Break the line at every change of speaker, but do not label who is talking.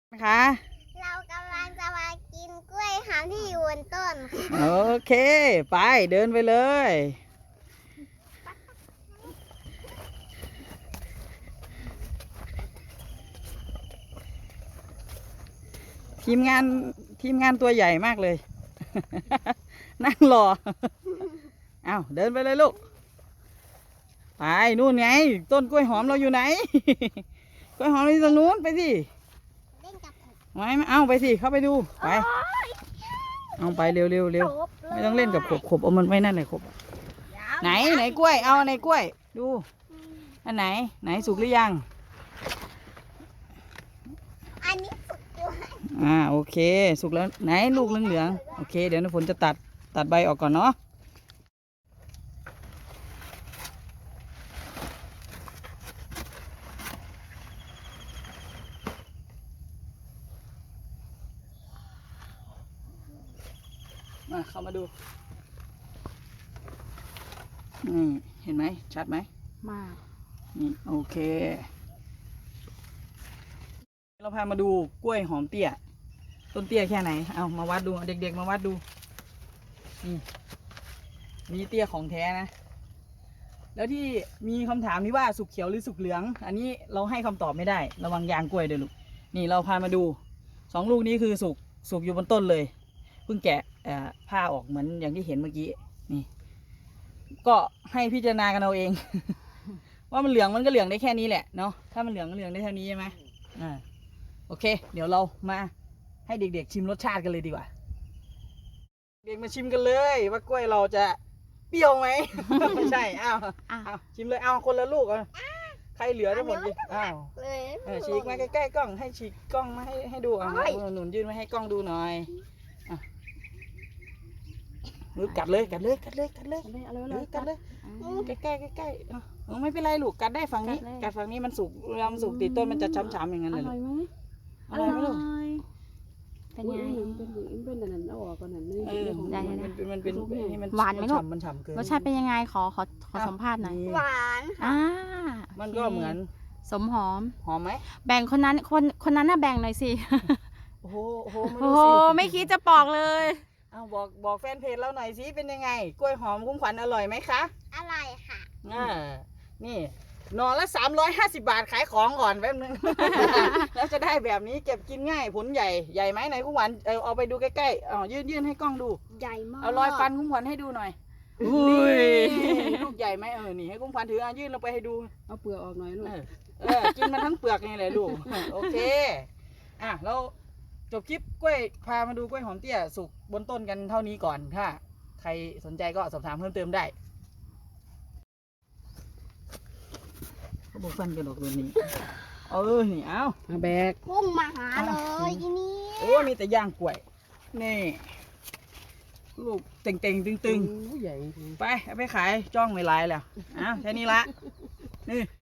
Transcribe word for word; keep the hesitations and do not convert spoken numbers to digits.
นะคะ
เรากำลังจะมากินกล้วยหอมที่อยู่บนต้น
โอเคไปเดินไปเลยทีมงานทีมงานตัวใหญ่มากเลย นั่งรอ เอาเดินไปเลยลูกไปนู่นไงต้นกล้วยหอมเราอยู่ไหน กล้วยหอมเราอยู่ตรงนู้นไปสิ
เล่นกับผม
ไม่ไม่เอาไปสิเข้าไปดูไปเอาไปเร็วเร็วเร็วไม่ต้องเล่นกับขบขบเอามันไว้นั่นเลยขบไหนไหนกล้วยเอาในกล้วยดูอันไหนไหนสุกหรือยัง
อันนี้สุดด้วย
อ่าโอเคสุกแล้วไหนลูกเหลืองเหลืองโอเคเดี๋ยวน้ำฝนจะตัดตัดใบออกก่อนเนาะมาเข้ามาดูนี่เห็นไหมชัดไหม
มาก
นี่โอเคเราพามาดูกล้วยหอมเตี้ยต้นเตี้ยแค่ไหนเอามาวัดดูเด็กๆมาวัดดูนี่มีเตี้ยของแท้นะแล้วที่มีคำถามที่ว่าสุกเขียวหรือสุกเหลือง อันนี้เราให้คำตอบไม่ได้ระวังยางกล้วยด้วยลูกนี่เราพามาดูสองลูกนี้คือสุกสุกอยู่บนต้นเลยเพิ่งแกะผ้าออกเหมือนอย่างที่เห็นเมื่อกี้นี่ก็ให้พิจารณากันเอาเอง ว่ามันเหลืองมันก็เหลืองได้แค่นี้แหละเนาะถ้ามันเหลืองก็เหลืองได้เท่านี้ใช่ไหมอ่าโอเค เดี๋ยวเรามาให้เด็กๆชิมรสชาติกันเลยดีกว่าเด็กมาชิมกันเลยว่ากล้วยเราจะเปรี้ยวไหม ไม่ใช่อ้าวอ้าวชิมเลยเอาคนละลูกอ่ะใครเหลือทั้งหมดดิอ้าว
เลย
เออฉีกมาใกล้ๆกล้องให้ฉีกกล้องมาให้ให้ดูอ่ะหนุนยื่นมาให้กล้องดูหน่อยอ่ะมือกัดเลยกัดเลยกัดเลยกัดเลย
เอาเลยเอาเลย
เอ
เอา
อ
เลย
กัดเลย ใกล้ใกล้ใกล้ใกล้ๆเออไม่เป็นไรลูกกัดได้ฝั่งนี้
กัดเลย
กัดฝั่งนี้มันสุกเวลามันสุกติดต้นมันจะช้ำๆอย่างนั้น
อ
เลย
ร่อยไหม
อร่อยไหมลูก
เป็นไง
เป็นเป็นเป็นอันนั้นเอาออกก่อนนั้นไม่
เออ
ได้ของ
ได้
มัน
มันเป็นมันเป็นให้มัน
หวานไหมลูก
ฉ่ำมันฉ่ำเกิน
รสชาติเป็นยังไงขอขอขอสัมภาษณ์หน่อย
หวาน
อ่า
มันก็เหมือน
สมหอม
หอมไหม
แบ่งคนนั้นคนคนนั้นน่ะแบ่งหน่อยสิ
โอ้โหโอ้โหไม่
โอ้
รู้
โห
สิ
ไม่คิดจะปอกเลย
เอาบอกบอกแฟนเพจเราหน่อยสิเป็นยังไงกล้วยหอมคุ้มขวัญอร่อยไหมคะ
อร่อยค่ะ
อ่านี่หนอนละสามร้อยห้าสิบบาทขายของก่อนแป๊บนึง แล้วจะได้แบบนี้เก็บกินง่ายผลใหญ่ใหญ่ไหมไหนคุ้มขวัญเออเอาไปดูใกล้ๆอ๋อยื่นยื่นให้กล้องดู
ใหญ่มาก
เอารอยฟันคุ้มขวัญให้ดูหน่อย
อุ้ย
นี่ลูกใหญ่ไหมเออนี่ให้คุ้มขวัญถืออ่ะยื่นลงไปให้ดู
เอาเปลือกออกหน่อยลูก
เออเออกินมันทั้งเปลือกนี่แหละลูก โอเคอ่ะเราจบคลิปกล้วยพามาดูกล้วยหอมเตี้ยสุกบนต้นกันเท่านี้ก่อนถ้าใครสนใจก็สอบถามเพิ่มเติมได้เขาบอกฟันกระดกตัวนี้ เออนี่เอา
เอาแบก
พุ่งมาหาเลยทีนี้
โอ้มีแต่ย่างกล้วยนี่ลูกเต่งเต่งตึงตึง
โอ้ใหญ่จริง
ๆไปเอาไปขายจ้องไม่ลายแล้วอ้าวแค่นี้ละนี่